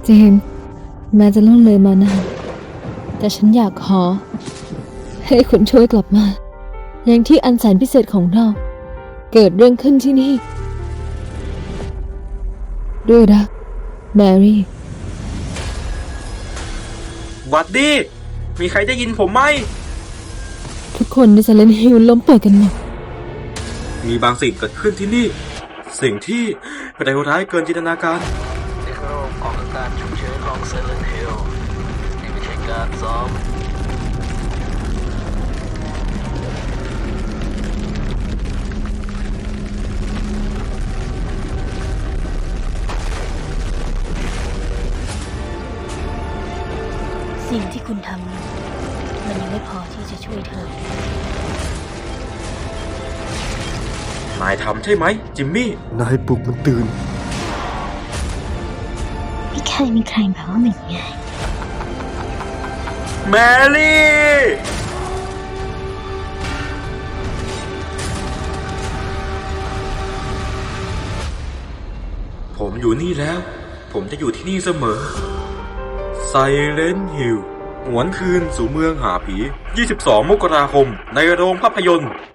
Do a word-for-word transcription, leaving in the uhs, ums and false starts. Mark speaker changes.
Speaker 1: เจนแม้จะล่วงเลยมานานแต่ฉันอยากขอให้คุณช่วยกลับมาอย่างที่อันแสนพิเศษของเราเกิดเรื่องขึ้นที่นี่ด้วยรักแมรี่
Speaker 2: หวัดดีมีใครได้ยินผมไหม
Speaker 1: ทุกคนในไซเลนต์ฮิลล้มป่วยกันหมด
Speaker 2: มีบางสิ่งเกิดขึ้นที่นี่สิ่งที่เลวร้ายเกินจินตนาการ
Speaker 3: นี่คือระบบของอาการฉุกเฉินของเซเลนฮิลนี่ไม่ใช่การซ้อม
Speaker 4: สิ่งที่คุณทำมันยังไม่พอที่จะช่วยเธอน
Speaker 2: ายทำใช่ไหมจิมมี่
Speaker 5: นายปลุกมันตื่น
Speaker 4: ไม่เคยมีใครบอกว่ามันง่าย
Speaker 2: แมรี่ผมอยู่นี่แล้วผมจะอยู่ที่นี่เสมอไซเลนต์ฮิลหวนคืนสู่เมืองหาผียี่สิบสองมกราคมในโรงภาพยนตร์